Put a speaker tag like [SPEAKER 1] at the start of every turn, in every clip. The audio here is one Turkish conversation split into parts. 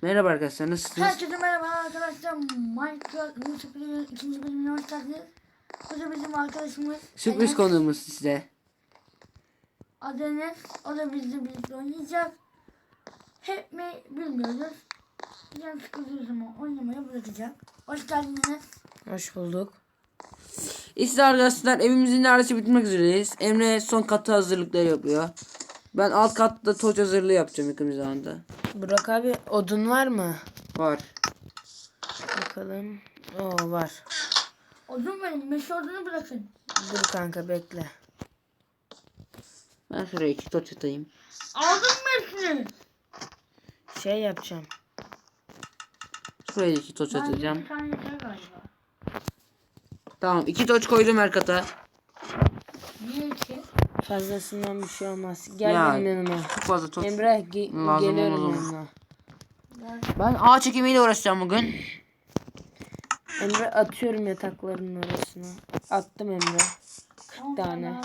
[SPEAKER 1] Merhaba arkadaşlar, nasılsınız?
[SPEAKER 2] Herkese merhaba arkadaşlar. Minecraft Yusuf'un ikinci bölümüne hoş geldiniz. Bu da bizim arkadaşımız
[SPEAKER 1] Sürpriz
[SPEAKER 2] Enes.
[SPEAKER 1] konuğumuz size.
[SPEAKER 2] Adı Enes. O da bizle birlikte oynayacak. Hep mi bilmiyoruz. Can sıkıldığı zaman oynamayı bırakacak. Hoş geldin Enes.
[SPEAKER 3] Hoş bulduk.
[SPEAKER 1] İşte arkadaşlar evimizin neredeyse bitmek üzereyiz. Emre son katı hazırlıkları yapıyor. Ben alt katta toç hazırlığı yapacağım yakın bir zamanda.
[SPEAKER 3] Burak abi odun var mı?
[SPEAKER 1] Var.
[SPEAKER 3] Bakalım. Oo var.
[SPEAKER 2] Odun verin. Meşe odunu bırakın.
[SPEAKER 3] Dur kanka bekle.
[SPEAKER 1] Ben şuraya 2 toç atayım.
[SPEAKER 2] Aldın mı hepsini?
[SPEAKER 3] Şey yapacağım.
[SPEAKER 1] Şuraya 2 toç
[SPEAKER 2] Ben
[SPEAKER 1] atacağım.
[SPEAKER 2] bir tane yeter galiba.
[SPEAKER 1] Tamam, 2 toç koydum her kata.
[SPEAKER 2] Niye ki?
[SPEAKER 3] Fazlasından bir şey olmaz. Gel
[SPEAKER 1] Ya,
[SPEAKER 3] benim yanıma.
[SPEAKER 1] Çok fazla toç.
[SPEAKER 3] Emre
[SPEAKER 1] Lazım
[SPEAKER 3] geliyorum
[SPEAKER 1] olmaz
[SPEAKER 3] yanına.
[SPEAKER 1] Ben ağaç ekimiyle uğraşacağım bugün.
[SPEAKER 3] Emre atıyorum yatakların arasına. Attım Emre. 40 tane.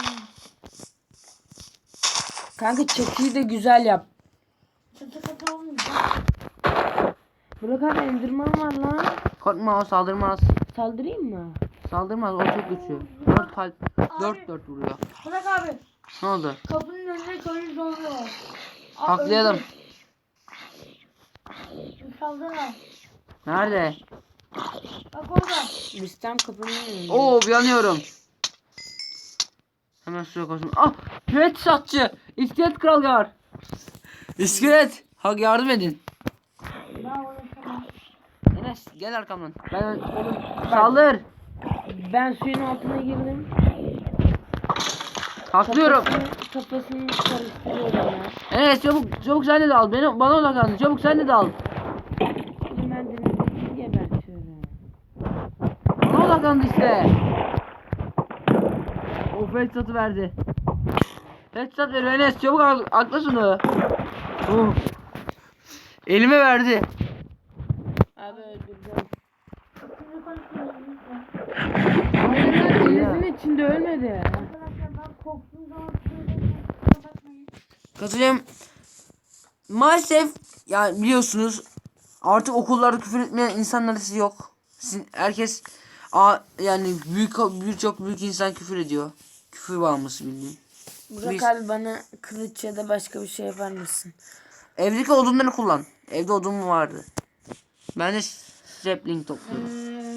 [SPEAKER 3] Kanka çatıyı da güzel yap.
[SPEAKER 2] Çatı katı olmayacak.
[SPEAKER 3] Burak abi endirman var lan.
[SPEAKER 1] Korkma, o saldırmaz.
[SPEAKER 3] Saldırayım mı?
[SPEAKER 1] Saldırmaz, o çok güçlü. 4 kalp, 4 vuruyor.
[SPEAKER 2] Bırak abi.
[SPEAKER 1] Ne oldu?
[SPEAKER 2] Kapının önüne koyun zorluyor.
[SPEAKER 1] Haklayalım.
[SPEAKER 2] Saldırma.
[SPEAKER 1] Nerede?
[SPEAKER 2] Bak orada.
[SPEAKER 3] Biz tam kapının önünde.
[SPEAKER 1] Oo, yanıyorum. Hemen suya koştum. Ah! Pet satçı! İskelet kral var. İskelet! Hak yardım edin.
[SPEAKER 2] Ben uğraşamam.
[SPEAKER 1] Enes gel arkamdan. Ben saldır.
[SPEAKER 3] Ben suyun altına girdim.
[SPEAKER 1] Haklıyorum.
[SPEAKER 3] Kafasını karıştırıyorum ya.
[SPEAKER 1] Enes çabuk sen de dal. Bana odaklan. Çabuk sen de dal.
[SPEAKER 3] Şimdi ben denizdeki gebertiyorum.
[SPEAKER 1] Bana odaklandı işte. O headshot'ı verdi. Headshot veriyor Enes, çabuk akla şunu. Elime verdi.
[SPEAKER 3] Abi öldürdüm.
[SPEAKER 2] Şimdi konuşuyorum lütfen.
[SPEAKER 3] Hayır denizin içinde ölmedi.
[SPEAKER 2] Arkadaşlar ben korktuğum zaman söyleyeyim. Kusura bakmayın.
[SPEAKER 1] Katılıyorum. Maalesef yani biliyorsunuz artık okullarda küfür etmeyen insanlar siz yok. Herkes yani birçok büyük insan küfür ediyor. Küfür bağımlısı bildiğin.
[SPEAKER 3] Burak abi bana kılıç ya da başka bir şey yapar mısın?
[SPEAKER 1] Evdeki odunları kullan. Evde odun vardı. Ben de sapling topluyorum.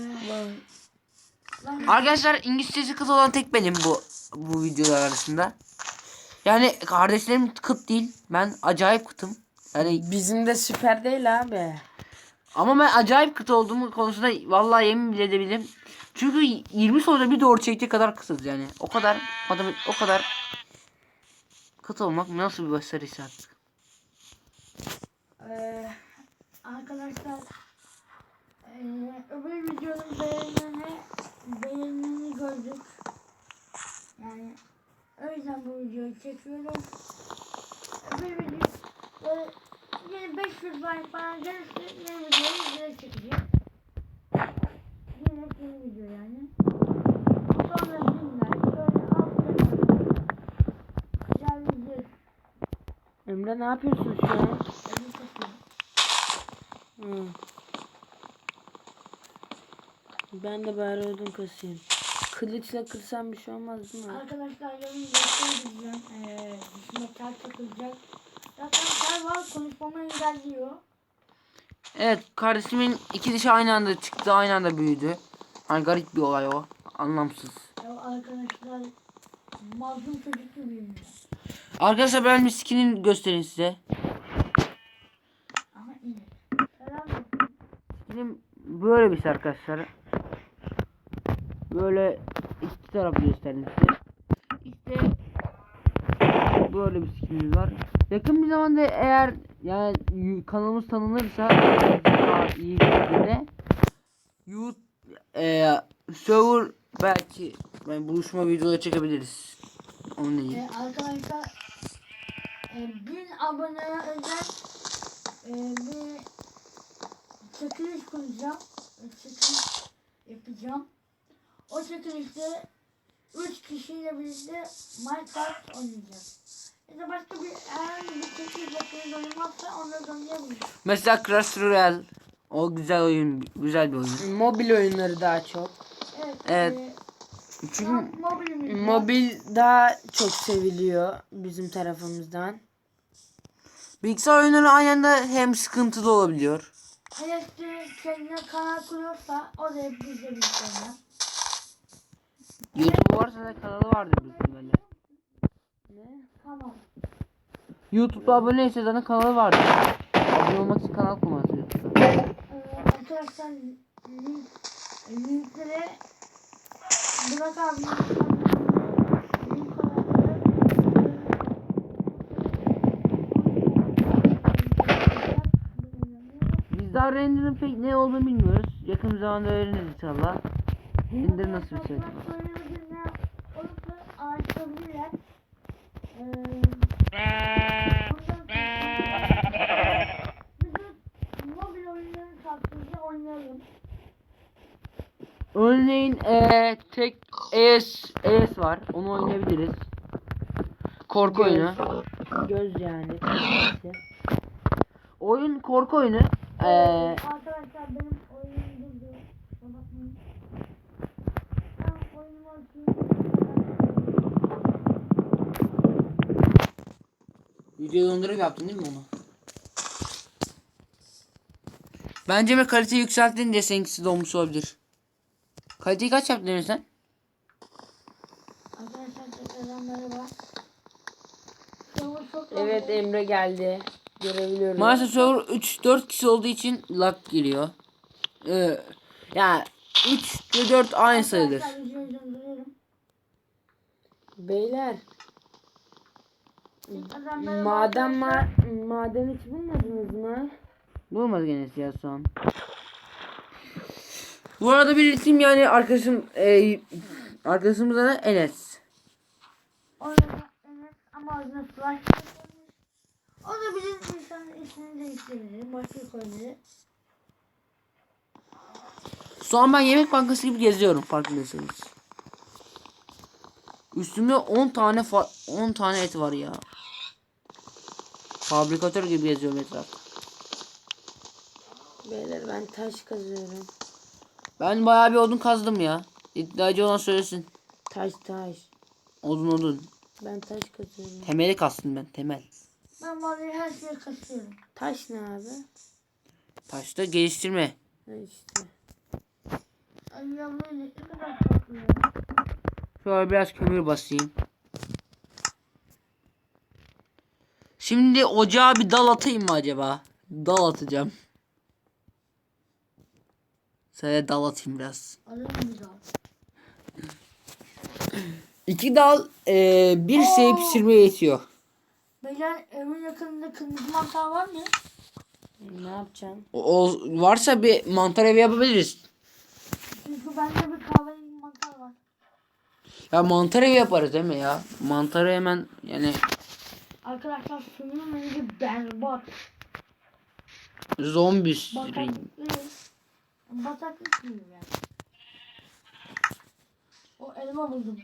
[SPEAKER 1] Arkadaşlar İngilizcesi kıt olan tek benim bu videolar arasında. Yani kardeşlerim kıt değil. Ben acayip kıtım. Yani
[SPEAKER 3] Bizim de süper değil abi.
[SPEAKER 1] ama ben acayip kıt olduğumu konusunda vallahi yemin bile edebilirim. Çünkü 20 soruda bir doğru çektiği kadar kıtız yani. O kadar kıt olmak nasıl bir başarıysa artık.
[SPEAKER 2] Arkadaşlar öbür videonun beğenini gördük. Yani o yüzden bu videoyu çekiyorum. Öbür video yine 500 like falan gelirse yeni videoyu direkt çekeceğim. Yine yeni video yani. Sonra 1000 like böyle geleceğiz.
[SPEAKER 3] Emre ne yapıyorsun şu an? Hı. Ben de bari odun kasayım. Kılıçla kırsam bir şey olmaz değil mi?
[SPEAKER 2] Arkadaşlar yarın göstereceğim. Dişime tel takılacak. Zaten tel var, konuşmamı engelliyor.
[SPEAKER 1] Evet, kardeşimin iki dişi aynı anda çıktı, aynı anda büyüdü. Hani garip bir olay o. Anlamsız.
[SPEAKER 2] Ya arkadaşlar mazlum çocuk gibiyim ya.
[SPEAKER 1] Arkadaşlar ben bir skinini göstereyim size.
[SPEAKER 2] Ama iyi. Selam olsun.
[SPEAKER 1] Bizim böyle bir şey arkadaşlar. Böyle iki tarafı göstereyim size. İşte böyle bir skinimiz var. Yakın bir zamanda eğer yani kanalımız tanınırsa daha iyi bir şekilde server belki buluşma videoları çekebiliriz. Onun değil.
[SPEAKER 2] Arkadaşlar 1000 aboneye özel bir çekiliş kuracağım. Çekiliş yapacağım. O çekilişte 3 kişiyle birlikte Minecraft oynayacağız. Ya da başka bir eğer bir çekiliş yapmayı varsa onları oynayabilirim.
[SPEAKER 1] Mesela Clash Royale. O güzel oyun. Güzel bir oyun.
[SPEAKER 3] Mobil oyunları daha çok.
[SPEAKER 2] Evet.
[SPEAKER 1] Evet. Çünkü
[SPEAKER 2] Mobilimiz var.
[SPEAKER 3] Mobil daha çok seviliyor bizim tarafımızdan.
[SPEAKER 1] bilgisayar oyunları aynı anda hem sıkıntılı olabiliyor.
[SPEAKER 2] Elektrik kendine kanal kuruyorsa o da hep bizde bir sonra.
[SPEAKER 1] YouTube varsa da kanalı vardır büyük ihtimalle.
[SPEAKER 3] Ne?
[SPEAKER 2] Tamam.
[SPEAKER 1] YouTube'da aboneyse zaten kanalı vardır. Abone olmak için kanal kurması YouTube'da.
[SPEAKER 2] Arkadaşlar linkleri Burak abi link
[SPEAKER 1] Biz daha render'ın pek ne olduğunu bilmiyoruz. Yakın bir zamanda öğreniriz inşallah. Render nasıl bir şey acaba?
[SPEAKER 2] olursa araştırabilirler. Bizim mobil oyunların taklidi oynayalım.
[SPEAKER 1] Örneğin tek ES var. Onu oynayabiliriz. Korku oyunu.
[SPEAKER 3] Göz yani.
[SPEAKER 1] Oyun korku oyunu.
[SPEAKER 2] Arkadaşlar benim oyunum durdu. Bakmayın. Ben oyunumu açayım.
[SPEAKER 1] Videoyu dondurup yaptın değil mi onu? Bence mi kaliteyi yükselttin diye seninkisi donmuş olabilir. Kaliteyi kaç yaptın Emre sen?
[SPEAKER 2] Arkadaşlar tekrardan merhaba.
[SPEAKER 3] Evet Emre geldi. Görebiliyorum.
[SPEAKER 1] Maalesef server 3-4 kişi olduğu için lag giriyor. Yani 3 ve 4 aynı sayılır.
[SPEAKER 2] Arkadaşlar videoyu donduruyorum.
[SPEAKER 3] Beyler.
[SPEAKER 2] Tekrardan merhaba arkadaşlar.
[SPEAKER 3] Maden hiç bulmadınız mı?
[SPEAKER 1] Bulmadı gene ya şu an. Bu arada belirteyim yani arkadaşımız da Enes.
[SPEAKER 2] Oyunda evet ama oyunda flash yapılmış. O da bizim insanın ismini değiştirebilir. Başka koyabilir.
[SPEAKER 1] Şu an ben yemek bankası gibi geziyorum farkındaysanız. Üstümde 10 tane 10 tane et var ya. Fabrikatör gibi geziyorum etrafta.
[SPEAKER 3] Beyler ben taş kazıyorum.
[SPEAKER 1] Ben bayağı bir odun kazdım ya. İddiacı olan söylesin.
[SPEAKER 3] Taş.
[SPEAKER 1] Odun.
[SPEAKER 3] Ben taş kazıyorum.
[SPEAKER 1] Temeli kastım ben, temel.
[SPEAKER 2] Ben vallahi her şeyi kasıyorum.
[SPEAKER 3] Taş ne abi?
[SPEAKER 1] Taşta geliştirme.
[SPEAKER 3] Ha işte.
[SPEAKER 2] Ay ya böyle ne kadar tatlı ya.
[SPEAKER 1] Şöyle biraz kömür basayım. Şimdi ocağa bir dal atayım mı acaba? Dal atacağım. Sana dal atayım biraz.
[SPEAKER 2] Alırım bir daha.
[SPEAKER 1] 2 dal bir şey pişirmeye yetiyor.
[SPEAKER 2] Beyler evin yakınında kırmızı mantar var mı?
[SPEAKER 3] Ne yapacaksın?
[SPEAKER 1] O varsa bir mantar evi yapabiliriz.
[SPEAKER 2] Çünkü bende bir kahverengi mantar var.
[SPEAKER 1] Ya mantar evi yaparız değil mi ya? Mantarı hemen yani
[SPEAKER 2] Arkadaşlar suyun rengi berbat.
[SPEAKER 1] zombi.
[SPEAKER 2] Bataklık suyu yani. O elma buldum.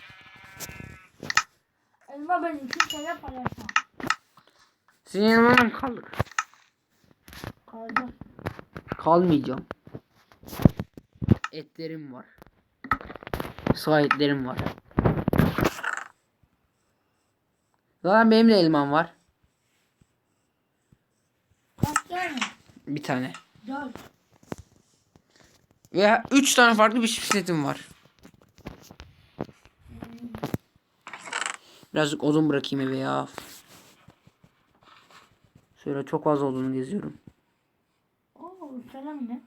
[SPEAKER 2] Elma benim kimseyle paylaşmam.
[SPEAKER 1] Senin yanına mı kaldık?
[SPEAKER 2] Kaldı.
[SPEAKER 1] Kalmayacağım. Etlerim var. Sağ etlerim var. Zaten benim de elmam var.
[SPEAKER 2] Kaç tane?
[SPEAKER 1] Bir tane.
[SPEAKER 2] 4.
[SPEAKER 1] Ve 3 tane farklı bisikletim var. Birazcık odun bırakayım eve ya. Şöyle çok az odunu geziyorum.
[SPEAKER 2] Oo selam ne?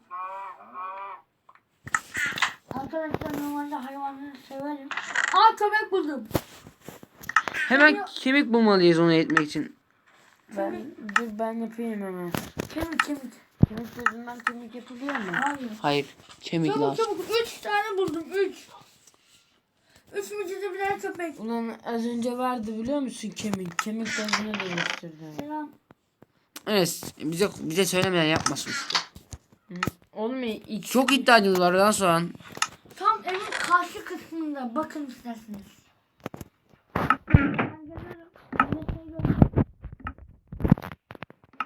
[SPEAKER 2] Arkadaşlar normalde hayvanları severim. Aa köpek buldum.
[SPEAKER 1] Hemen kemik bulmalıyız onu etmek için.
[SPEAKER 3] Ben yapayım hemen.
[SPEAKER 2] Kemik.
[SPEAKER 3] Kemik gözünden kemik yapılıyor mu?
[SPEAKER 2] Hayır.
[SPEAKER 1] Hayır. Kemik
[SPEAKER 2] Çabuk
[SPEAKER 1] lazım.
[SPEAKER 2] 3 tane buldum 3. 3 mücide birer köpek.
[SPEAKER 3] Ulan az önce vardı biliyor musun kemik? Kemik gözüne dönüştürdüm.
[SPEAKER 2] Selam.
[SPEAKER 1] Evet. Bize söylemeden yapmasın işte.
[SPEAKER 3] Oğlum ilk
[SPEAKER 1] Çok iddiacımız var lan sonra.
[SPEAKER 2] Tam evin karşı kısmında bakın isterseniz. Ben geliyorum.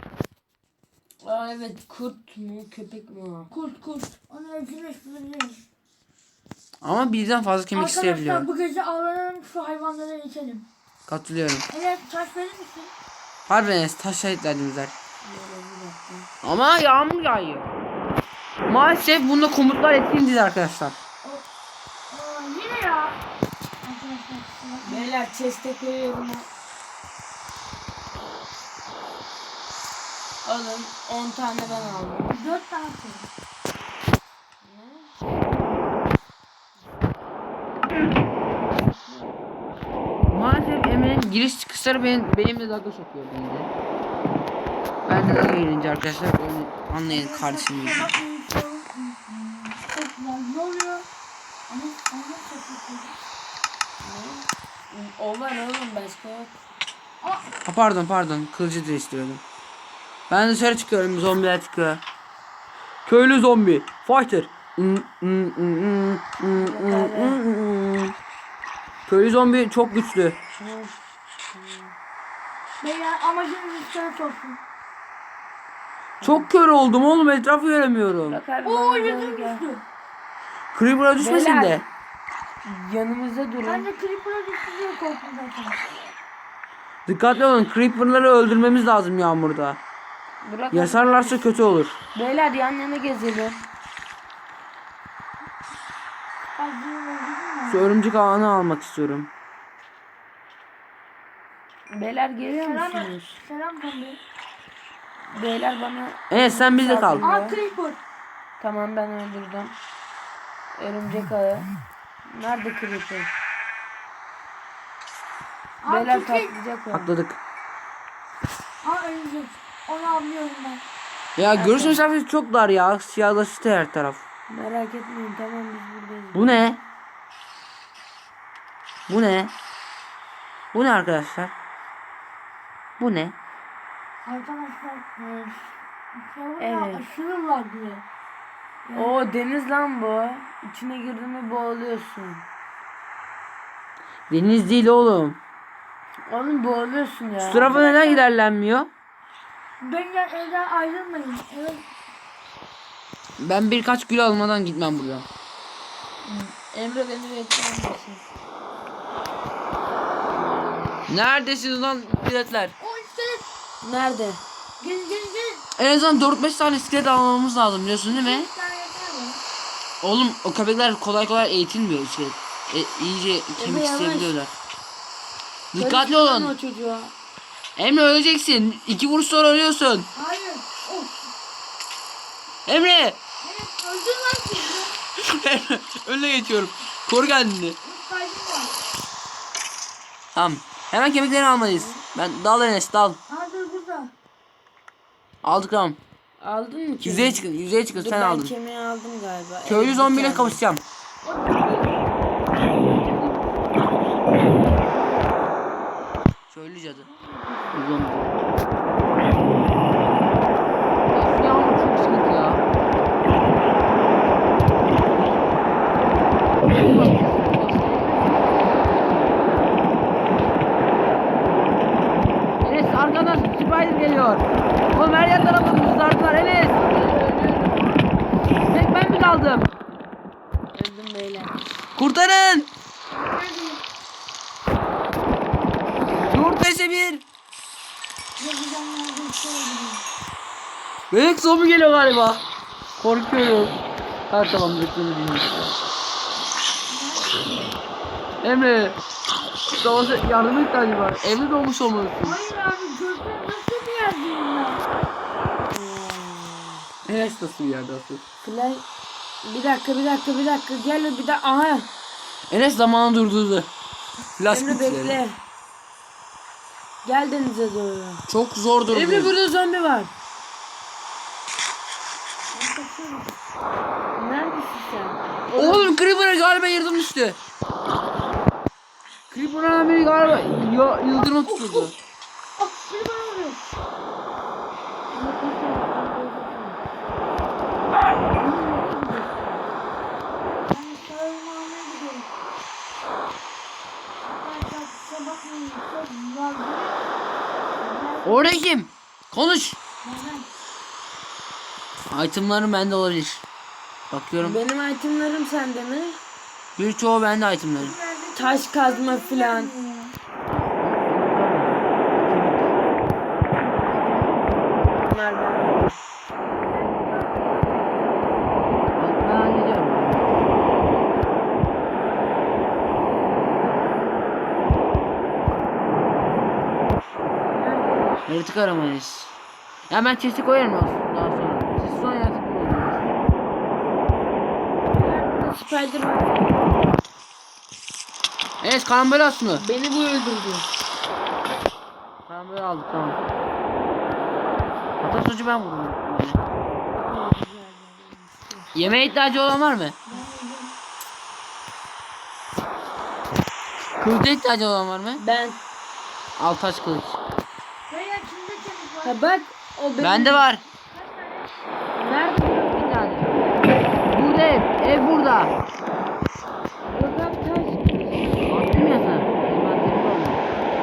[SPEAKER 3] Aa evet, kurt mu köpek mi o?
[SPEAKER 2] Kurt. Onu evcilleştirebiliriz.
[SPEAKER 1] Ama birden fazla kemik
[SPEAKER 2] Arkadaşlar
[SPEAKER 1] isteyebiliyor.
[SPEAKER 2] bu gece avlanalım, şu hayvanları içelim.
[SPEAKER 1] Katılıyorum.
[SPEAKER 2] Evet, taş verir misin?
[SPEAKER 1] Harbi Enes taşa ihtiyacımız var. Ama yağmur yağıyor. Maalesef bunda komutlar etkin değil arkadaşlar.
[SPEAKER 2] Yine ya. Arkadaşlar.
[SPEAKER 3] Beyler chest'e koyuyorum. Alın, 10 tane ben aldım.
[SPEAKER 2] 4 tane koy.
[SPEAKER 1] Maalesef Emre'nin giriş çıkışları benimle dalga sokuyor bence. Ben de dalga gelince arkadaşlar onu anlayın kardeşim gibi.
[SPEAKER 2] Çok güzel. Ne oluyor? Ama çok güzel.
[SPEAKER 3] O var oğlum, başka yok.
[SPEAKER 1] Ha, pardon kılıcı da istiyordum. Ben dışarı çıkıyorum, zombiler çıkıyor. Köylü zombi fighter. Köylü zombi çok güçlü.
[SPEAKER 2] Beyler amacımız iskelet olsun.
[SPEAKER 1] Çok kör oldum oğlum, etrafı göremiyorum.
[SPEAKER 3] Bak abi,
[SPEAKER 2] Oo,
[SPEAKER 3] bana doğru
[SPEAKER 2] yüzüm
[SPEAKER 3] gel.
[SPEAKER 2] düştü.
[SPEAKER 1] Creeper'a düşmesin
[SPEAKER 3] Beyler.
[SPEAKER 1] de.
[SPEAKER 3] Yanımızda
[SPEAKER 2] Ben
[SPEAKER 3] durun.
[SPEAKER 2] de Creeper'a düştü diye korktum zaten.
[SPEAKER 1] Dikkatli olun, Creeper'ları öldürmemiz lazım yağmurda.
[SPEAKER 3] Bırak
[SPEAKER 1] Yasarlarsa kötü olur.
[SPEAKER 3] Beyler yan yana gezelim.
[SPEAKER 2] Acıyım öldürdün mü?
[SPEAKER 1] Şu örümcek ağını almak istiyorum.
[SPEAKER 3] Beyler geliyor
[SPEAKER 2] Selam,
[SPEAKER 3] musunuz?
[SPEAKER 2] selam Tombi.
[SPEAKER 3] Beyler bana...
[SPEAKER 1] Evet sen bizde kal.
[SPEAKER 2] Aa Creeper.
[SPEAKER 3] Tamam, ben öldürdüm. Örümcek ağı. Nerede creeper?
[SPEAKER 2] Aa
[SPEAKER 3] Beyler
[SPEAKER 2] Creeper.
[SPEAKER 3] patlayacak o.
[SPEAKER 1] Atladık.
[SPEAKER 2] Aa ölecek. Onu anlıyorum ben.
[SPEAKER 1] Ya görüş mesafesi çok dar ya. Siyahlaştı her taraf.
[SPEAKER 3] Merak etmeyin, tamam biz buradayız.
[SPEAKER 1] Bu ne? Bu ne? Bu ne arkadaşlar? Bu ne?
[SPEAKER 2] Arkadaşlar.
[SPEAKER 3] Evet.
[SPEAKER 2] Aşırı laglı.
[SPEAKER 3] Oo, deniz lan bu. İçine girdin mi boğuluyorsun.
[SPEAKER 1] Deniz değil oğlum.
[SPEAKER 3] Oğlum boğuluyorsun ya.
[SPEAKER 1] Şu tarafa neden ilerlenmiyor?
[SPEAKER 2] Benden evden ayrılmayın. Evet.
[SPEAKER 1] Ben birkaç gül almadan gitmem buradan.
[SPEAKER 3] Emre beni bekler misin?
[SPEAKER 1] Neredesiniz lan iskeletler?
[SPEAKER 2] O iskelet.
[SPEAKER 3] Nerede?
[SPEAKER 2] Gelin.
[SPEAKER 1] En azından 4-5 tane iskelet almamız lazım biliyorsun değil mi?
[SPEAKER 2] Bir tane yeter mi?
[SPEAKER 1] Oğlum o köpekler kolay kolay eğitilmiyor iskelet. İyice kemik
[SPEAKER 3] yavaş.
[SPEAKER 1] isteyebiliyorlar. Dikkatli
[SPEAKER 3] Karıştırma
[SPEAKER 1] olun.
[SPEAKER 3] o çocuğa.
[SPEAKER 1] Emre öleceksin. 2 vuruş sonra ölüyorsun.
[SPEAKER 2] Hayır. Of.
[SPEAKER 1] Emre.
[SPEAKER 2] Evet öldür lan sizi.
[SPEAKER 1] Önüne geçiyorum. Koru kendini.
[SPEAKER 2] Bir kaybım var.
[SPEAKER 1] Tamam. Hemen kemiklerini almalıyız. Ben dal Enes dal.
[SPEAKER 2] Aa dur burada.
[SPEAKER 1] Aldık tamam.
[SPEAKER 3] Aldın mı kemiği?
[SPEAKER 1] Yüzeye çıkın
[SPEAKER 3] Dur,
[SPEAKER 1] sen
[SPEAKER 3] ben
[SPEAKER 1] aldın.
[SPEAKER 3] kemiği aldım galiba.
[SPEAKER 1] Köylü
[SPEAKER 3] Evet,
[SPEAKER 1] zombiyle
[SPEAKER 3] bir tane.
[SPEAKER 1] kavuşacağım. Köylü cadı. Zombi. Of ya çok sıkıntı ya. Enes arkadan Spider geliyor. Oğlum her yer tarafından sardılar Enes. Tek ben mi kaldım?
[SPEAKER 3] Öldüm beyler.
[SPEAKER 1] Kurtarın.
[SPEAKER 2] Neredeyim?
[SPEAKER 1] 4-5'e 1.
[SPEAKER 2] Yapacağım nerede bir şey öldüreyim.
[SPEAKER 1] Bebek zombi geliyor galiba. Korkuyorum. Ha tamam bekledim. Emre. Savaşa yardım ihtiyacı var. Evde doğmuş olmalısın.
[SPEAKER 2] Hayır abi gözler nasıl bir yerdeyim ben?
[SPEAKER 1] Enes nasıl bir yerde asıl?
[SPEAKER 3] Fly... Bir dakika. Gel bir dakika. Aha.
[SPEAKER 1] Enes zamanı durdurdu. Flash
[SPEAKER 3] Emre
[SPEAKER 1] güçleri.
[SPEAKER 3] bekle. Gel denize doğru.
[SPEAKER 1] Çok zor durdu.
[SPEAKER 3] Emre burada zombi var. Neredesin sen?
[SPEAKER 1] Oğlum Creeper'a galiba yardım düştü. Creeper'a biri galiba yıldırma tutuldu.
[SPEAKER 2] Ah biri bana vuruyor. Ben sarılma almaya gidiyorum. Arkadaşlar kusura bakmayın. Çok laglı.
[SPEAKER 1] Orada kim? Konuş.
[SPEAKER 2] Neden?
[SPEAKER 1] Itemlarım bende olabilir. Bakıyorum.
[SPEAKER 3] Benim itemlerim sende mi?
[SPEAKER 1] Birçoğu bende itemlarım.
[SPEAKER 3] Taş kazma filan. Bunlar bende.
[SPEAKER 1] Ben hallediyorum. Yaratık aramayız. Ya ben chest'i koyarım aslında daha sonra. Siz sonra yaratık bulursunuz.
[SPEAKER 3] Spider var.
[SPEAKER 1] Evet, karambol aslında.
[SPEAKER 3] Beni bu öldürdü.
[SPEAKER 1] Karambol aldık, tamam. Hatta sonucu ben vurdum. Yemeğe ihtiyacı olan var mı? Kılıca ihtiyacı olan var mı?
[SPEAKER 3] Ben.
[SPEAKER 1] Al taş kılıç.
[SPEAKER 2] Beyler kimde çabuk var?
[SPEAKER 3] Ha bak o benim.
[SPEAKER 1] Bende var.
[SPEAKER 3] Nerede?
[SPEAKER 1] Bir tane. Burada ev. Ev burada.
[SPEAKER 3] Yok abi taş.
[SPEAKER 1] Attım ya sana. Envanterimde oldu.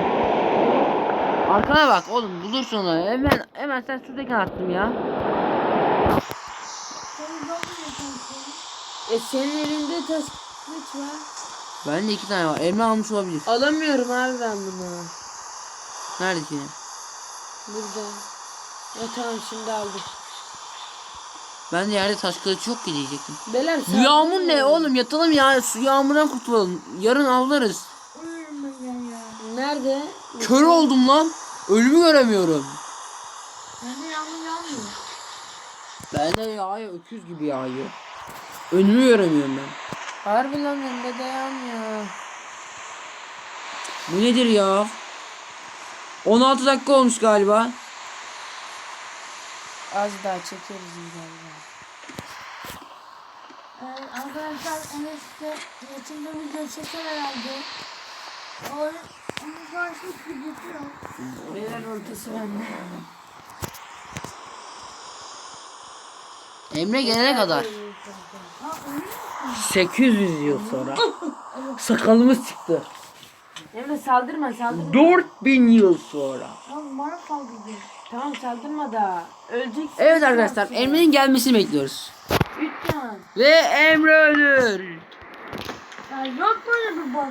[SPEAKER 1] Arkana bak oğlum, bulursun onu. Hemen sen şuradaki attım ya.
[SPEAKER 2] Senin dolmuyor kanka.
[SPEAKER 3] Senin elinde taş kılıç var.
[SPEAKER 1] Bende 2 tane var. Emre almış olabilir.
[SPEAKER 3] Alamıyorum abi ben bunu.
[SPEAKER 1] Nerede ki?
[SPEAKER 3] Burada. Ya tamam şimdi aldım.
[SPEAKER 1] Ben de yerde taş kılıç yok ki diyecektim.
[SPEAKER 3] Beler
[SPEAKER 1] Bu yağmur ne oğlum, yatalım ya, su yağmurdan kurtulalım. Yarın avlarız.
[SPEAKER 2] Uyuyorum ben ya.
[SPEAKER 3] Nerede?
[SPEAKER 1] Kör oldum lan. Ölümü göremiyorum.
[SPEAKER 2] Bende yağmur yağmıyor.
[SPEAKER 1] Bende yağıyor, öküz gibi yağıyor. Önümü göremiyorum ben.
[SPEAKER 3] Harbi lan önde dayanmıyor.
[SPEAKER 1] Bu nedir ya? 16 dakika olmuş galiba.
[SPEAKER 3] Az daha çekeriz galiba.
[SPEAKER 2] Arkadaşlar Enes'te yakında video çeker herhalde. Onun karşılık videosu yok.
[SPEAKER 3] Beler ortası bende.
[SPEAKER 1] Emre gelene kadar.
[SPEAKER 2] Ha öyle mi?
[SPEAKER 1] 800 yıl sonra. Sakalımız çıktı.
[SPEAKER 3] Emre saldırma saldırma.
[SPEAKER 1] 4000 yıl sonra.
[SPEAKER 2] Lan bana saldırdı.
[SPEAKER 3] Tamam saldırma da. Öleceksin.
[SPEAKER 1] Evet arkadaşlar, Emre'nin gelmesini bekliyoruz.
[SPEAKER 3] 3 can.
[SPEAKER 1] Ve Emre ölür.
[SPEAKER 2] Ya yok böyle bir bak.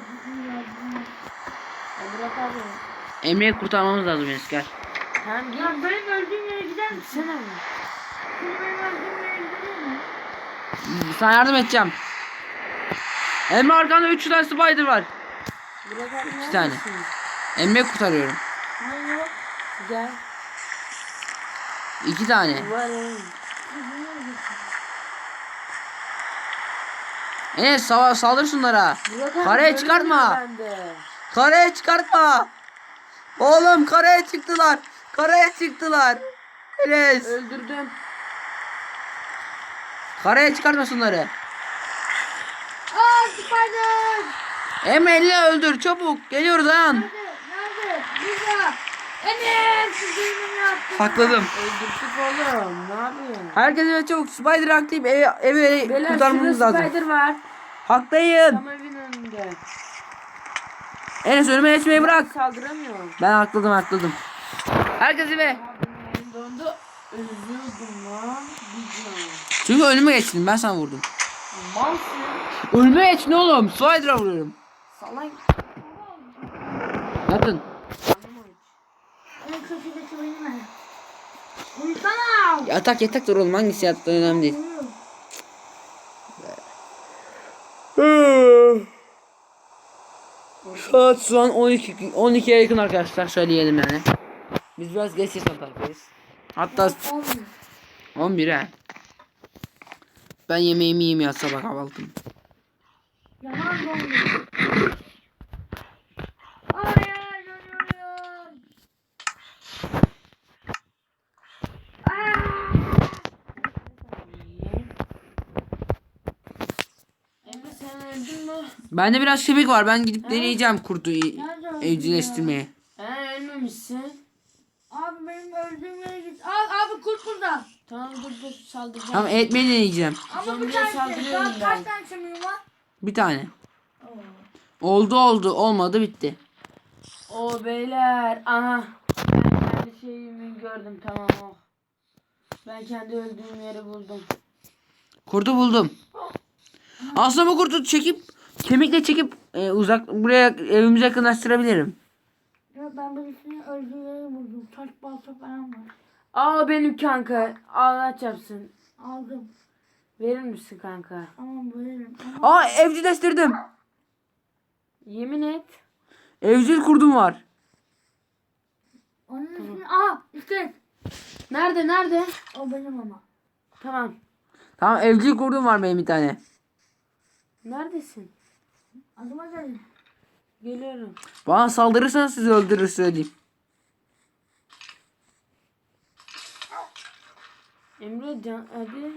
[SPEAKER 3] Ya bırak abi.
[SPEAKER 1] Emre'yi kurtarmamız lazım Enes, gel.
[SPEAKER 3] Tamam gel.
[SPEAKER 2] Ya benim öldüğüm yere gider misin?
[SPEAKER 3] Gitsene mi?
[SPEAKER 2] Şimdi benim öldüğüm yere gidelim mi?
[SPEAKER 1] Sana yardım edeceğim. Emre arkanda 3 tane spider var.
[SPEAKER 3] Bırak abi.
[SPEAKER 1] 2 tane. Emre'yi kurtarıyorum.
[SPEAKER 2] Hayır yok.
[SPEAKER 3] Gel.
[SPEAKER 1] 2 tane.
[SPEAKER 3] Var oğlum.
[SPEAKER 1] Enes saldır şunlara.
[SPEAKER 3] Bırak abi,
[SPEAKER 1] Karaya
[SPEAKER 3] görüyorum
[SPEAKER 1] çıkartma.
[SPEAKER 3] ben de.
[SPEAKER 1] Karaya çıkartma. Oğlum karaya çıktılar. Karaya çıktılar. Enes.
[SPEAKER 3] Öldürdüm.
[SPEAKER 1] Karaya çıkartma şunları.
[SPEAKER 2] Aa spider!
[SPEAKER 1] Emre elle öldür çabuk. Geliyoruz dayan.
[SPEAKER 2] Nerede? Nerede? Burada. Enes! Benim yaptım.
[SPEAKER 1] Hakladım.
[SPEAKER 3] Öldürdük oğlum. Ne yapıyorsun?
[SPEAKER 1] Herkes eve çabuk. Spider aktif eve
[SPEAKER 3] Beyler
[SPEAKER 1] kurtarmamız
[SPEAKER 3] şurada
[SPEAKER 1] lazım.
[SPEAKER 3] spider var.
[SPEAKER 1] Haklıyım.
[SPEAKER 3] Tam evin önünde.
[SPEAKER 1] Enes önüme geçmeyi bırak.
[SPEAKER 3] Saldıramıyorum.
[SPEAKER 1] Ben hakladım. Herkes eve.
[SPEAKER 3] Abi benim dondu. Ölüyordum lan. Bir can.
[SPEAKER 1] Çünkü önüme geçtin, ben sana vurdum.
[SPEAKER 3] Malsın.
[SPEAKER 1] Önüme geçtin oğlum. Spider'a vuruyorum.
[SPEAKER 3] Salak.
[SPEAKER 1] Yatın.
[SPEAKER 2] En köşedeki benim ben. Uyusana!
[SPEAKER 1] Yatak dur oğlum, hangisi yattığın önemli değil. Saat şu an 12'ye yakın arkadaşlar, söyleyelim yani. Biz biraz geç yatan taraftayız. Hatta 11 he. Ben yemeğimi yiyeyim ya, sabah kahvaltım.
[SPEAKER 2] Yalan dondu. Ay dönüyorum.
[SPEAKER 3] Emre sen öldün mü?
[SPEAKER 1] Bende biraz kemik var, ben gidip deneyeceğim kurtu
[SPEAKER 2] Nerede öldün
[SPEAKER 1] evcilleştirmeye.
[SPEAKER 3] He ölmemişsin.
[SPEAKER 2] Abi benim öldüğüm yere git. Abi kurt burada.
[SPEAKER 3] Tamam dur saldıracağım.
[SPEAKER 1] Tamam, etmeyi deneyeceğim.
[SPEAKER 2] Ama
[SPEAKER 3] Zombiye
[SPEAKER 2] bir tane
[SPEAKER 3] saldırıyorum
[SPEAKER 2] daha
[SPEAKER 3] ben.
[SPEAKER 2] kaç tane çamurum var?
[SPEAKER 1] Bir tane.
[SPEAKER 2] Oo.
[SPEAKER 1] Oldu olmadı bitti.
[SPEAKER 3] O beyler. Aha. Ben kendi şeyimi gördüm tamam o. Ben kendi öldüğüm yeri buldum.
[SPEAKER 1] Kurdu buldum. Aslında bu kurdu çekip kemikle çekip uzak buraya evimize yakınlaştırabilirim.
[SPEAKER 2] Ya ben birisini öldüğünü buldum. Taş balta falan var.
[SPEAKER 3] Aa benim kanka. Allah çarpsın.
[SPEAKER 2] Aldım.
[SPEAKER 3] Verir misin kanka?
[SPEAKER 2] Tamam veririm. Ama
[SPEAKER 1] Aa evcilleştirdim.
[SPEAKER 3] Yemin et.
[SPEAKER 1] Evcil kurdum var.
[SPEAKER 2] onun ismini... Aa işte.
[SPEAKER 3] Nerede?
[SPEAKER 2] O benim ama.
[SPEAKER 3] Tamam.
[SPEAKER 1] Tamam evcil kurdum var benim bir tane.
[SPEAKER 3] Neredesin?
[SPEAKER 2] Adıma gelin.
[SPEAKER 3] Geliyorum.
[SPEAKER 1] Bana saldırırsanız sizi öldürür söyleyeyim.
[SPEAKER 3] Emre can hadi.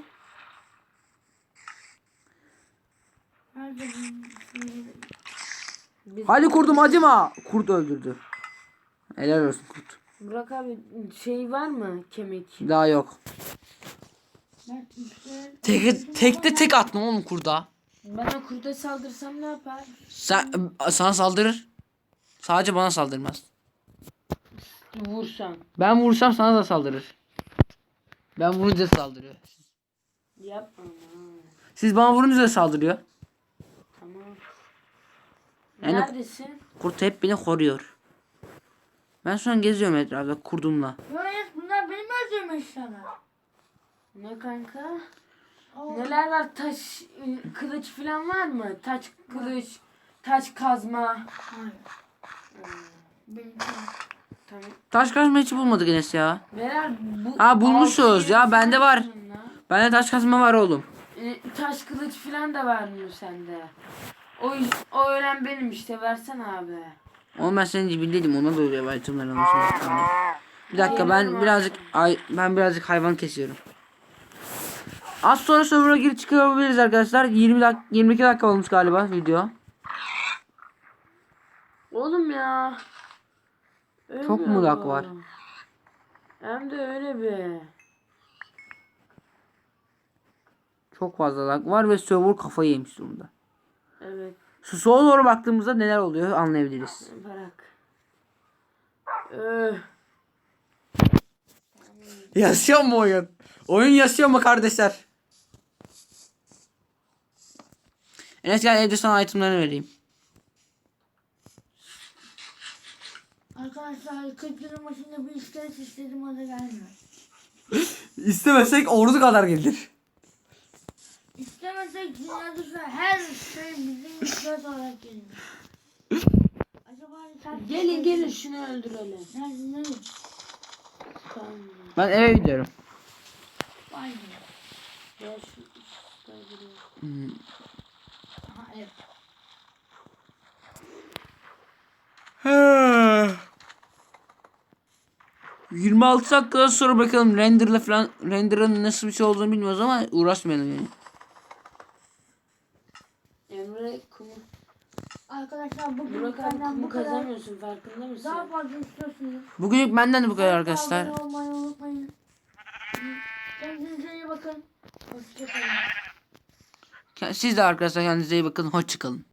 [SPEAKER 2] Nerede bu?
[SPEAKER 3] Biz...
[SPEAKER 1] Hadi kurdum acıma. Kurt öldürdü. Helal olsun kurt.
[SPEAKER 3] Burak abi şey var mı kemik?
[SPEAKER 1] Daha yok.
[SPEAKER 2] Ben işte...
[SPEAKER 1] Tekte tek attım oğlum kurda.
[SPEAKER 3] Ben o kurda saldırsam ne yapar?
[SPEAKER 1] Sana saldırır. Sadece bana saldırmaz.
[SPEAKER 3] Vursam.
[SPEAKER 1] Ben vursam sana da saldırır. Ben vurunca saldırıyor.
[SPEAKER 3] Yapma.
[SPEAKER 1] Siz bana vurunca da saldırıyor.
[SPEAKER 3] Tamam.
[SPEAKER 1] Yani-
[SPEAKER 3] Neredesin?
[SPEAKER 1] Kurt hep beni koruyor. Ben şu an geziyorum etrafta kurdumla.
[SPEAKER 2] Yok bunlar benim öldüğüm eşyalar.
[SPEAKER 3] Ne kanka?
[SPEAKER 2] Oo.
[SPEAKER 3] Neler var? Taş, kılıç falan var mı? Taş kılıç, taş kazma.
[SPEAKER 2] Hayır. Benimki var.
[SPEAKER 3] Tamam.
[SPEAKER 1] Taş kazma hiç bulmadık Enes ya.
[SPEAKER 3] Neler bu?
[SPEAKER 1] Ha, bulmuşuz
[SPEAKER 3] altı
[SPEAKER 1] ya,
[SPEAKER 3] yedi
[SPEAKER 1] bende var.
[SPEAKER 3] falan lan.
[SPEAKER 1] Bende taş kazma var oğlum.
[SPEAKER 3] Taş kılıç falan da var mı sende? O ölen benim işte versene abi.
[SPEAKER 1] Oğlum ben senin cibindeydim, ona da öyle itemler almışım. Bir dakika ben birazcık hayvan kesiyorum. Az sonra server'a girip çıkabiliriz arkadaşlar. 22 dakika olmuş galiba video.
[SPEAKER 3] Oğlum ya.
[SPEAKER 1] Çok mu
[SPEAKER 3] Ölmüyor
[SPEAKER 1] lag
[SPEAKER 3] bu.
[SPEAKER 1] var?
[SPEAKER 3] Hem de öyle bir.
[SPEAKER 1] Çok fazla lag var ve server kafayı yemiş durumda.
[SPEAKER 3] Evet.
[SPEAKER 1] Şu sola doğru baktığımızda neler oluyor anlayabiliriz.
[SPEAKER 3] Bırak. Öh.
[SPEAKER 1] Yaşıyor mu oyun? Oyun yaşıyor mu kardeşler? Enes gel evde sana itemlerini vereyim.
[SPEAKER 2] Arkadaşlar 40 yılın başında bir iskelet istedim, o da gelmiyor.
[SPEAKER 1] İstemesek ordu kadar gelir.
[SPEAKER 2] İstemesek dünyada şu an her şey bizim iskelet olarak geliyor. Acaba sen...
[SPEAKER 3] Gelin şunu öldürelim.
[SPEAKER 2] Nerede?
[SPEAKER 3] Tamam.
[SPEAKER 1] Ben eve gidiyorum.
[SPEAKER 2] Vay be.
[SPEAKER 3] Gel şu işte öldürelim.
[SPEAKER 2] Aha evet.
[SPEAKER 1] 26 dakika sonra bakalım render'ın nasıl bir şey olduğunu bilmiyoruz ama uğraşmayalım yani.
[SPEAKER 3] Emre kumu.
[SPEAKER 2] Arkadaşlar bugün
[SPEAKER 3] Burak abi
[SPEAKER 2] benden
[SPEAKER 3] kumu
[SPEAKER 2] bu kadar.
[SPEAKER 3] kazanıyorsun farkında mısın?
[SPEAKER 2] Daha fazla istiyorsunuz.
[SPEAKER 1] Bugünlük benden de bu kadar arkadaşlar.
[SPEAKER 2] Abone olmayı unutmayın. Kendinize iyi bakın. Hoşçakalın.
[SPEAKER 1] Siz de arkadaşlar kendinize iyi bakın. Hoşçakalın.